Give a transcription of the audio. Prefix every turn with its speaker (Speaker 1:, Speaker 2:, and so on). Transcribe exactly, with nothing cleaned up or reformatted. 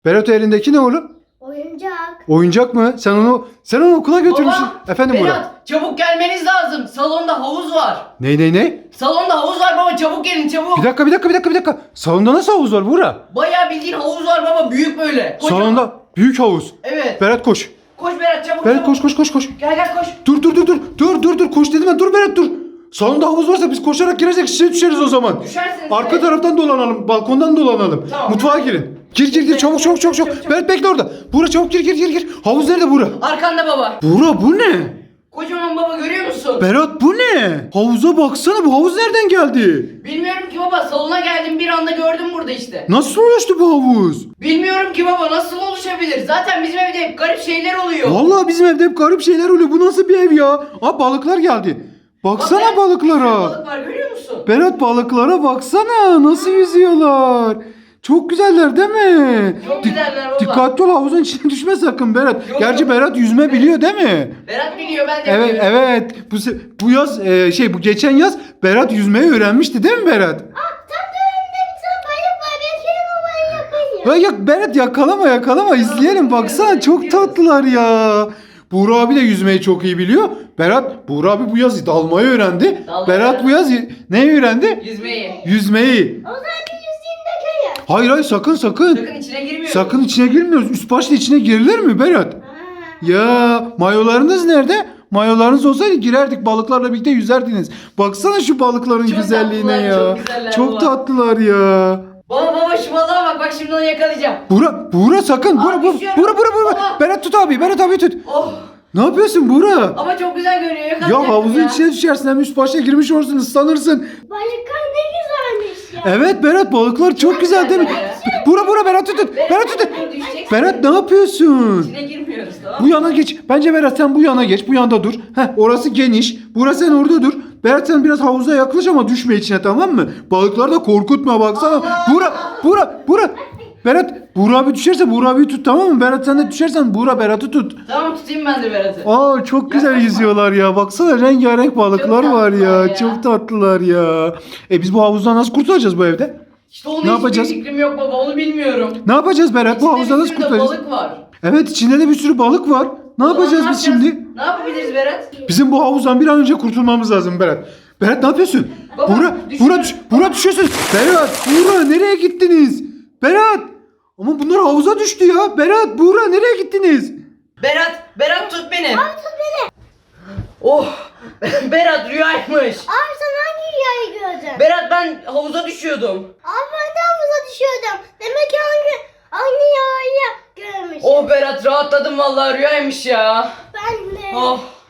Speaker 1: Berat elindeki ne oğlum?
Speaker 2: Oyuncak.
Speaker 1: Oyuncak mı? Sen onu sen onu okula götürmüşsün.
Speaker 3: Baba,
Speaker 1: Efendim Burak.
Speaker 3: Berat, çabuk gelmeniz lazım. Salonda havuz var.
Speaker 1: Ne ne ne?
Speaker 3: Salonda havuz var baba, çabuk gelin çabuk.
Speaker 1: Bir dakika bir dakika bir dakika bir dakika. Salonda nasıl havuz var Burak?
Speaker 3: Bayağı bildiğin havuz var baba, büyük böyle. Kocaman.
Speaker 1: Salonda büyük havuz.
Speaker 3: Evet.
Speaker 1: Berat koş.
Speaker 3: Koş Berat, çabuk
Speaker 1: Berat
Speaker 3: çabuk.
Speaker 1: koş koş koş koş.
Speaker 3: Gel gel koş.
Speaker 1: Dur dur dur dur. Dur dur dur koş dedim ben. Dur Berat dur. Salonda havuz varsa biz koşarak girersek şişe düşeriz o zaman.
Speaker 3: Düşersiniz.
Speaker 1: Arka
Speaker 3: evet.
Speaker 1: taraftan dolanalım. Balkondan dolanalım.
Speaker 3: Tamam.
Speaker 1: Mutfağa girin. Gir gir gir çabuk çabuk çabuk çabuk. Berat bekle orada. Buğra çabuk gir gir gir gir. Havuz nerede Buğra?
Speaker 3: Arkanda baba.
Speaker 1: Buğra bu ne?
Speaker 3: Kocaman baba, görüyor musun?
Speaker 1: Berat bu ne? Havuza baksana, bu havuz nereden geldi?
Speaker 3: Bilmiyorum ki baba, salona geldim bir anda gördüm burada işte.
Speaker 1: Nasıl oluştu bu havuz?
Speaker 3: Bilmiyorum ki baba, nasıl oluşabilir? Zaten bizim evde hep garip şeyler oluyor.
Speaker 1: Vallahi bizim evde hep garip şeyler oluyor. Bu nasıl bir ev ya? Aa balıklar geldi.
Speaker 3: Bak,
Speaker 1: Baksana
Speaker 3: Berat, bir sürü
Speaker 1: balıklara.
Speaker 3: balık var, görüyor musun?
Speaker 1: Berat balıklara baksana. Nasıl yüzüyorlar? Çok güzeller değil mi?
Speaker 3: Çok
Speaker 1: Dik-
Speaker 3: güzeller baba.
Speaker 1: Dikkatli ol, havuzun içine düşme sakın Berat.
Speaker 3: Yok,
Speaker 1: Gerçi
Speaker 3: yok.
Speaker 1: Berat yüzme biliyor değil mi?
Speaker 3: Berat biliyor, ben de
Speaker 1: Evet
Speaker 3: biliyorum.
Speaker 1: evet. Bu se- bu yaz e, şey bu geçen yaz Berat yüzmeyi öğrenmişti değil mi Berat?
Speaker 2: Aa, tam da önümde bir tane balık var. Ben gelin o balığı yakalayayım.
Speaker 1: Ya, ya Berat yakalama yakalama izleyelim baksana
Speaker 3: izliyoruz,
Speaker 1: çok
Speaker 3: izliyoruz.
Speaker 1: tatlılar ya. Buğra abi de yüzmeyi çok iyi biliyor. Berat, Buğra abi bu yaz dalmayı öğrendi.
Speaker 3: Dalmayı
Speaker 1: Berat bu yaz y- neyi öğrendi?
Speaker 3: Yüzmeyi.
Speaker 1: Yüzmeyi.
Speaker 2: O zaman bir yüzeyim de kayar.
Speaker 1: Hayır hayır sakın sakın.
Speaker 3: Sakın içine girmiyoruz.
Speaker 1: Sakın içine girmiyoruz. Üst başta içine girilir mi Berat?
Speaker 2: Ha.
Speaker 1: Ya mayolarınız nerede? Mayolarınız olsaydı girerdik, balıklarla birlikte yüzerdiniz. Baksana şu balıkların
Speaker 3: Çok
Speaker 1: güzelliğine
Speaker 3: tatlılar,
Speaker 1: ya.
Speaker 3: çok güzeller
Speaker 1: Çok
Speaker 3: baba.
Speaker 1: tatlılar ya.
Speaker 3: Baba baba şu balığa bak, bak şimdi onu yakalayacağım.
Speaker 1: Buğra, Buğra sakın.
Speaker 3: Aa,
Speaker 1: Buğra, Buğra,
Speaker 3: düşüyorum.
Speaker 1: Buğra, Buğra, Buğra.
Speaker 3: Baba.
Speaker 1: Berat tut abi, Berat abi tut.
Speaker 3: Oh.
Speaker 1: Ne yapıyorsun Buğra?
Speaker 3: Ama çok güzel görünüyor, yakalayacaktım
Speaker 1: Ya havuzun
Speaker 3: ya.
Speaker 1: içine düşersin, hem üst başa girmiş olursun, ıslanırsın.
Speaker 2: Balıklar ne güzelmiş ya.
Speaker 1: Evet Berat, balıklar çok güzel değil mi?
Speaker 3: güzel.
Speaker 1: Buğra, Buğra, Berat tut tut. Berat tut tut.
Speaker 3: dur, düşeceksin.
Speaker 1: Berat ne yapıyorsun?
Speaker 3: İçine girmiyoruz, tamam
Speaker 1: Bu
Speaker 3: mı?
Speaker 1: yana geç. Bence Berat sen bu yana geç. Bu yanda dur. Heh, orası geniş. Buğra sen orada dur. Berat sen biraz havuza yaklaş ama düşme içine, tamam mı? Balıkları da korkutma baksana.
Speaker 3: Allah!
Speaker 1: Buğra, Buğra, Buğra. Berat, Buğra abi düşerse Buğra abiyi tut, tamam mı? Berat sen de düşersen Buğra Berat'ı tut.
Speaker 3: Tamam, tutayım ben de Berat'ı.
Speaker 1: Aa çok güzel
Speaker 3: Yaklaşma.
Speaker 1: yüzüyorlar ya. Baksana rengarenk balıklar
Speaker 3: Çok
Speaker 1: var ya.
Speaker 3: tatlılar ya.
Speaker 1: Çok tatlılar ya. E biz bu havuzdan nasıl kurtulacağız bu evde?
Speaker 3: İşte onun
Speaker 1: Ne
Speaker 3: hiçbir
Speaker 1: yapacağız?
Speaker 3: fikrim yok baba, onu bilmiyorum.
Speaker 1: Ne yapacağız Berat? Bu
Speaker 3: İçinde
Speaker 1: havuzdan
Speaker 3: bir
Speaker 1: nasıl
Speaker 3: sürü de
Speaker 1: kurtulacağız?
Speaker 3: balık var.
Speaker 1: Evet içinde de bir sürü balık var. Ne
Speaker 3: O zaman
Speaker 1: yapacağız
Speaker 3: ne
Speaker 1: biz
Speaker 3: yapacağız?
Speaker 1: şimdi?
Speaker 3: Ne yapabiliriz Berat?
Speaker 1: Bizim bu havuzdan bir an önce kurtulmamız lazım Berat. Berat ne yapıyorsun?
Speaker 3: Baba,
Speaker 1: Buğra,
Speaker 3: düşüyorum.
Speaker 1: Buğra, düş, Buğra düşüyorsun. Berat, Buğra nereye gittiniz? Berat! Ama bunlar havuza düştü ya. Berat, Buğra nereye gittiniz?
Speaker 3: Berat, Berat tut beni. Abi tut beni. Oh, Berat rüyaymış.
Speaker 2: Abi sen hangi rüyayı gördün?
Speaker 3: Berat ben havuza düşüyordum.
Speaker 2: Abi ben de havuza düşüyordum. Demek ki hangi, hangi rüyayı görmüşüm.
Speaker 3: Oh Berat, rahatladım vallahi, rüyaymış ya.
Speaker 2: Ben de.
Speaker 3: Oh.